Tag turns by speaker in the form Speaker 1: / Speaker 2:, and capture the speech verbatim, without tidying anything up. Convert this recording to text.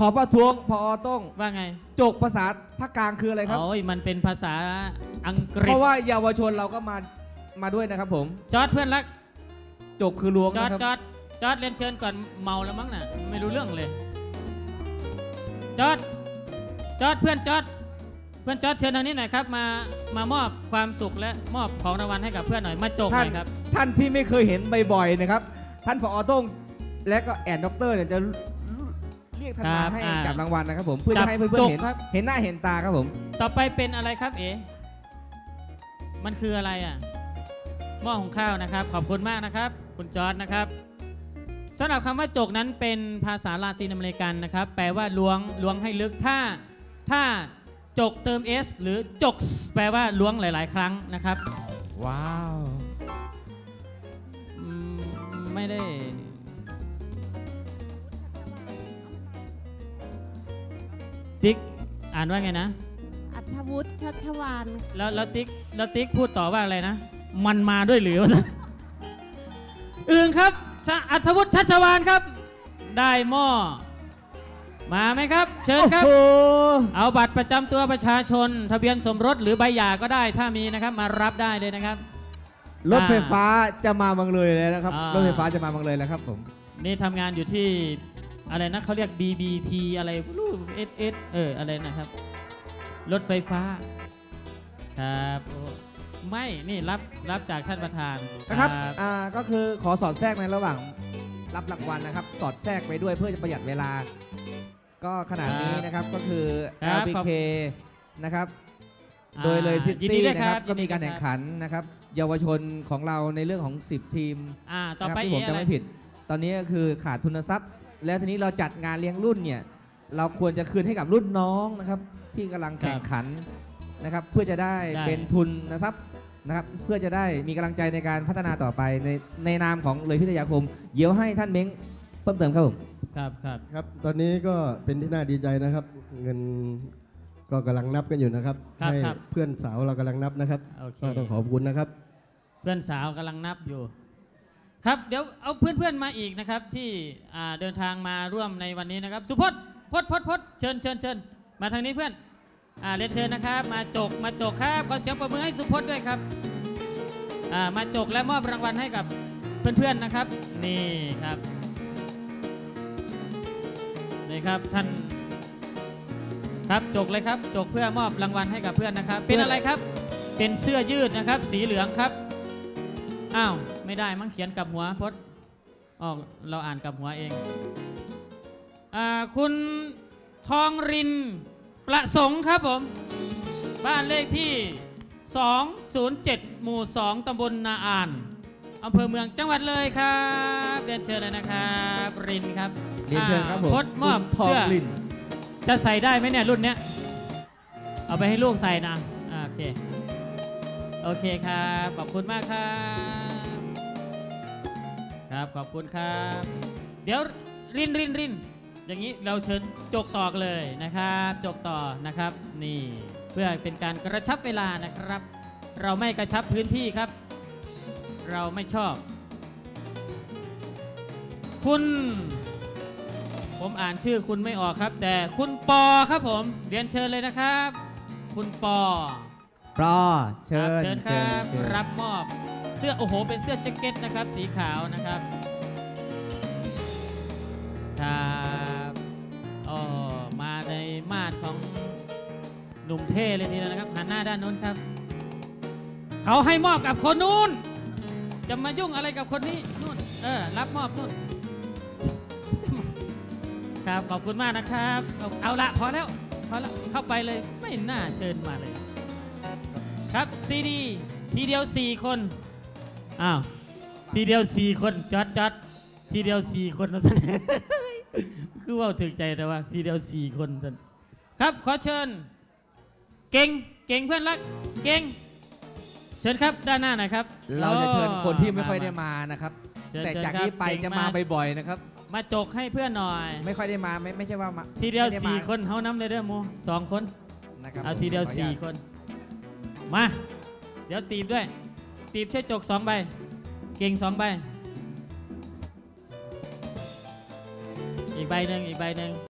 Speaker 1: ขอประท้วงพอต้อง
Speaker 2: ว่าไง
Speaker 1: จกภาษาภาคกลางคืออะไรครับ
Speaker 2: โอ้ยมันเป็นภาษาอังกฤษ
Speaker 1: เพราะว่าเยาวชนเราก็มามาด้วยนะครับผม
Speaker 2: จอดเพื่อนรัก
Speaker 1: จกคือล้วง
Speaker 2: จอด
Speaker 1: นะครับ
Speaker 2: จอดจอดเรียนเชิญก่อนเมาแล้วมั้งน่ะไม่รู้เรื่องเลยจอดจอดเพื่อนจอดเพื่อนจอดเชิญทางนี้หน่อยครับมามามอบความสุขและมอบของรางวัลให้กับเพื่อนหน่อยมาจกหน่อยครับ
Speaker 1: ท่านที่ไม่เคยเห็นบ่อยๆนะครับท่านผอ.ต้งและก็แอนด็อกเตอร์เนี่ยจะเรียกท่านมาให้จับรางวัลนะครับผมเพื่อจะให้เพื่อนๆเห็นเห็นหน้าเห็นตาครับผม
Speaker 2: ต่อไปเป็นอะไรครับเอ๋มันคืออะไรอ่ะหม้อหุงข้าวนะครับขอบคุณมากนะครับคุณจอร์จนะครับสำหรับคำว่าจกนั้นเป็นภาษาลาตินอเมริกันนะครับแปลว่าล้วงล้วงให้ลึกถ้าถ้าจกเติม s หรือจกแปลว่าล้วงหลายๆครั้งนะครับ
Speaker 1: ว้าว
Speaker 2: ไม่ได้ติ๊กอ่านว่าไงนะ
Speaker 3: อัธวุฒิชัชวาน
Speaker 2: แล้วแล้วติ๊กแล้วติ๊กพูดต่อว่าอะไรนะมันมาด้วยหรือวะอื่นครับอัธวุฒิชัชวานครับได้หม้อมาไหมครับเชิญครับเอาบัตรประจำตัวประชาชนทะเบียนสมรสหรือใบหย่าก็ได้ถ้ามีนะครับมารับได้เลยนะครับ
Speaker 1: รถไฟฟ้าจะมาบางเลยเลยนะครับรถไฟฟ้าจะมาบางเลยแล้วครับผม
Speaker 2: นี่ทำงานอยู่ที่อะไรนะเขาเรียก บี บี ที อะไรรู้ เอส เอส เอออะไรนะครับรถไฟฟ้าครับไม่นี่รับรับจากท่านประธาน
Speaker 1: นะครับอ่าก็คือขอสอดแทรกในระหว่างรับรางวัลนะครับสอดแทรกไปด้วยเพื่อจะประหยัดเวลาก็ขนาดนี้นะครับก็คือ แอล บี เค นะครับโดยเลยซิตี้นะครับก็มีการแข่งขันนะครับเยาวชนของเราในเรื่องของสิบทีมที่ผมจะไม่ผิดตอนนี้ก็คือขาดทุนทรัพย์แล้วทีนี้เราจัดงานเลี้ยงรุ่นเนี่ยเราควรจะคืนให้กับรุ่นน้องนะครับที่กำลังแข่งขันนะครับเพื่อจะได้เป็นทุนทรัพย์นะครับเพื่อจะได้มีกำลังใจในการพัฒนาต่อไปในในนามของเลยพิทยาคมเดี๋ยวให้ท่านเม้งเพิ่มเติมครับผม
Speaker 2: ครับครับ
Speaker 4: ครับตอนนี้ก็เป็นที่น่าดีใจนะครับเงินก็กำลังนับกันอยู่นะครับให้เพื่อนสาวเรากำลังนับนะครับก็ต้องขอบคุณนะครับ
Speaker 2: เพื่อนสาวกำลังนับอยู่ครับเดี๋ยวเอาเพื่อนๆมาอีกนะครับที่เดินทางมาร่วมในวันนี้นะครับสุพจน์พจน์พจน์พจน์เชิญเชิญเชิญมาทางนี้เพื่อนเรียนเชิญนะครับมาจกมาจกครับขอเสียงปรบมือให้สุพจน์ด้วยครับมาจกและมอบรางวัลให้กับเพื่อนๆนะครับนี่ครับนี่ครับท่านครับจกเลยครับจกเพื่อมอบรางวัลให้กับเพื่อนนะครับเป็นอะไรครับเป็นเสื้อยืดนะครับสีเหลืองครับอ้าวไม่ได้มั้งเขียนกับหัวพจน์อ๋อเราอ่านกับหัวเองอ่าคุณทองรินประสงค์ครับผมบ้านเลขที่สองศูนย์เจ็ดหมู่สองตำบลนาอ่านอำเภอเมืองจังหวัดเลยครับเรียนเชิญเลยนะครับรินครับ
Speaker 1: เรียนเชิญครับผม
Speaker 2: พจน์มอบเสื้อจะใส่ได้ไหมเนี่ยรุ่นเนี้ยเอาไปให้ลูกใส่นะโอเคโอเคครับขอบคุณมากครับครับขอบคุณครับเดี๋ยวรินรินรินอย่างนี้เราเชิญจกต่อเลยนะครับจกต่อนะครับนี่เพื่อเป็นการกระชับเวลานะครับเราไม่กระชับพื้นที่ครับเราไม่ชอบคุณผมอ่านชื่อคุณไม่ออกครับแต่คุณปอครับผมเรียนเชิญเลยนะครับคุณปอ
Speaker 1: ปอเชิญ
Speaker 2: เชิญครับรับมอบเสื้อโอ้โหเป็นเสื้อแจ็คเก็ตนะครับสีขาวนะครับครับอ๋อมาในมาดของหนุ่มเท่เลยทีเดียวนะครับหันหน้าด้านนู้นครับเขาให้มอบกับคนนู้นจะมายุ่งอะไรกับคนนี้นู่นเออรับมอบนู่นครับขอบคุณมากนะครับเอาละพอแล้วพอแล้วเข้าไปเลยไม่น่าเชิญมาเลยครับซีดีทีเดียวสี่คนอ้าวทีเดียวสี่คนจอดจอดทีเดียวสี่คนนะท่านคือว่าถึงใจแต่ว่าทีเดียวสี่คนท่านครับขอเชิญเก่งเก่งเพื่อนรักเก่งเชิญครับด้านหน้าหน่อยครับ
Speaker 1: เราจะเชิญคนที่ไม่ค่อยได้มานะครับแต่จากนี้ไปจะมาบ่อยๆนะครับ
Speaker 2: มาจกให้เพื่อนหน่อย
Speaker 1: ไม่ค่อยได้มาไม่ไม่ใช่ว่ามา
Speaker 2: ทีเดียวสี่คนเขาน้ำเลยเด้อโมสองคนเอาทีเดียวสี่คนมาเดี๋ยวตีบด้วยตีบใช้จกสองใบเก่งสองใบอีกใบหนึ่งอีกใบหนึ่ง